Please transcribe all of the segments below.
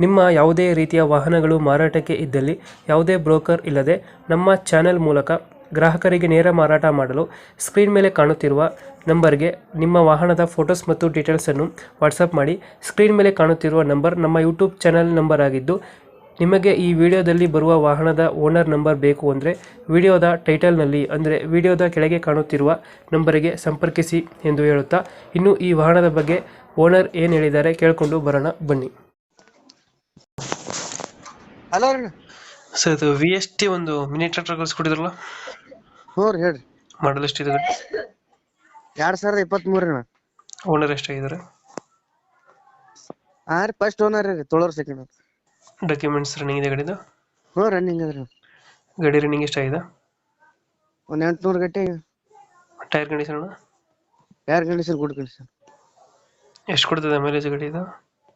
ನಿಮ್ಮ ಯಾವುದೇ ರೀತಿಯ ವಾಹನಗಳು ಮಾರಾಟಕ್ಕೆ ಇದ್ದಲ್ಲಿ ಯಾವುದೇ ಬ್ರೋಕರ್ ಇಲ್ಲದೆ ನಮ್ಮ ಚಾನೆಲ್ ಮೂಲಕ ಗ್ರಾಹಕರಿಗೆ ನೇರ ಮಾರಾಟ ಮಾಡಲು ಸ್ಕ್ರೀನ್ ಮೇಲೆ ಕಾಣುತ್ತಿರುವ ನಂಬರ್ಗೆ ನಿಮ್ಮ ವಾಹನದ ಫೋಟೋಸ್ ಮತ್ತು ಡೀಟೇಲ್ಸನ್ನು ವಾಟ್ಸಪ್ ಮಾಡಿ. ಸ್ಕ್ರೀನ್ ಮೇಲೆ ಕಾಣುತ್ತಿರುವ ನಂಬರ್ ನಮ್ಮ ಯೂಟ್ಯೂಬ್ ಚಾನೆಲ್ ನಂಬರ್ ಆಗಿದ್ದು, ನಿಮಗೆ ಈ ವಿಡಿಯೋದಲ್ಲಿ ಬರುವ ವಾಹನದ ಓನರ್ ನಂಬರ್ ಬೇಕು ಅಂದರೆ ವಿಡಿಯೋದ ಟೈಟಲ್ನಲ್ಲಿ ಅಂದರೆ ವಿಡಿಯೋದ ಕೆಳಗೆ ಕಾಣುತ್ತಿರುವ ನಂಬರಿಗೆ ಸಂಪರ್ಕಿಸಿ ಎಂದು ಹೇಳುತ್ತಾ, ಇನ್ನು ಈ ವಾಹನದ ಬಗ್ಗೆ ಓನರ್ ಏನು ಹೇಳಿದ್ದಾರೆ ಕೇಳಿಕೊಂಡು ಬರೋಣ ಬನ್ನಿ. ಹಲೋ ರೀ. ಸರ್, ಇದು VST ಒಂದು ಮಿನಿ ಟ್ರ್ಯಾಕ್ಟರ್ ಕಳಿಸ್ಕೊಟ್ಟಿದ್ರಲ್ಲ, ಹ್ಞೂ ರೀ, ಹೇಳ್ರಿ. ಮಾಡಲ್ ಎಷ್ಟಿದೆ? 2023 ರೀ. ಓನರ್ ಎಷ್ಟಾಗಿದ್ದಾರೆ? ರೀ, ಫಸ್ಟ್ ಓನರ್ ರೀ, ತೊಳೋರ್ ಸೆಕೆಂಡ್ ಓನರ್. ಡಾಕ್ಯುಮೆಂಟ್ಸ್ ರನ್ನಿಂಗ್ ಇದೆ ಗಾಡಿದು? ಹ್ಞೂ, ರನ್ನಿಂಗ್ ಅದ್ರಿ. ಗಾಡಿ ರನ್ನಿಂಗ್ ಎಷ್ಟಾಗಿದೆ? ಒಂದು 800 ಗಟ್ಟೆ. Tyre condition? Air condition, good condition. ಎಷ್ಟು ಕೊಡ್ತದೆ ಮೈಲೇಜ್ ಗಾಡಿ ಇದು?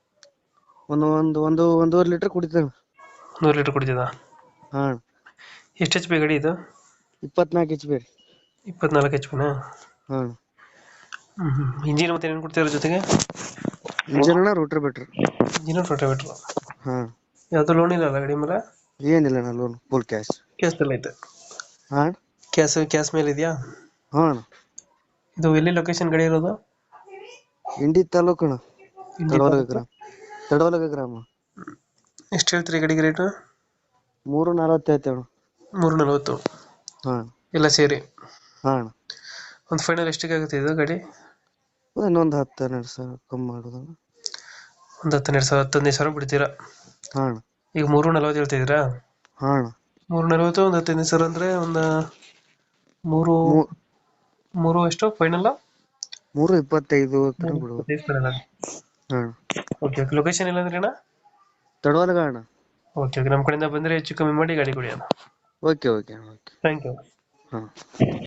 ಒಂದೂವರೆ ಲೀಟರ್ ಕುಡಿತಾನೆ. 100 ಲೀಟರ್ ಕುಡಿತದ? ಹಾಂ. ಎಷ್ಟು HP ಗಾಡಿ ಇದು? 24 HP ರೀ. 24 HP ನಾ? ಹಾಂ. ಇಂಜಿನ್ ಮತ್ತೆ ಏನೇನು ಕೊಡ್ತೀರ ಜೊತೆಗೆ? ಇಂಜಿನ್ ರೋಟರ್ ಬೆಟ್ರ್. Engine rotavator. ಹಾಂ. ಯಾವುದು ಲೋನ್ ಇಲ್ಲ ಅಲ್ಲ ಗಾಡಿ ಮೇಲೆ? ಏನಿಲ್ಲ ಅಣ್ಣ, ಲೋನ್ ಫುಲ್ ಕ್ಯಾಶ್. ಕ್ಯಾಶ್ ಎಲ್ಲ ಐತೆ? ಹಾಂ. ಕ್ಯಾಶ್ ಮೇಲೆ ಇದೆಯಾ? ಹಾಂ. ಇದು ಎಲ್ಲಿ ಲೊಕೇಶನ್ ಗಾಡಿ ಇರೋದು? ಇಂಡಿ ತಾಲೂಕು ಅಣ್ಣ, ತಡವಲಗ ಗ್ರಾಮ. ಎಷ್ಟು ಹೇಳ್ತೀರಿ ಗಾಡಿಗೆ ರೇಟು? 340 ಐತೆ ಅಣ್ಣ. 340? ಹಾಂ. ಎಲ್ಲ ಸೇರಿ? ಹಾಂ. ಒಂದು ಫೈನಲ್ ಎಷ್ಟಿಗೆ ಆಗುತ್ತೆ ಇದು ಗಾಡಿ? ಇನ್ನೊಂದು 10-12 ಸಾವಿರ ಕಮ್ಮಿ ಮಾಡೋದು. ಒಂದು 10-15 ಸಾವಿರ ಬಿಡ್ತೀರಾ? ಹಾಂ. ಈಗ 340 ಹೇಳ್ತಿದ್ದೀರಾ? ಹಾಂ. 340 ಒಂದು 15 ಸಾವಿರ ಅಂದರೆ ಒಂದು ಮೂರು ಎಷ್ಟು ಫೈನಲ್? 325 ಬಿಡುವ. ಹಾಂ. ಓಕೆ, ಲೊಕೇಶನ್ ಇಲ್ಲ ಅಂದ್ರೆ ಅಣ್ಣ? ತಡವಲಗ ಅಣ್ಣ. ಓಕೆ, ನಮ್ಮ ಕಡೆಯಿಂದ ಬಂದರೆ ಹೆಚ್ಚು ಕಮ್ಮಿ ಮಾಡಿ ಗಾಡಿ ಕೊಡಿ ಅಣ್ಣ. Okay okay. Thank you. ಹಾಂ.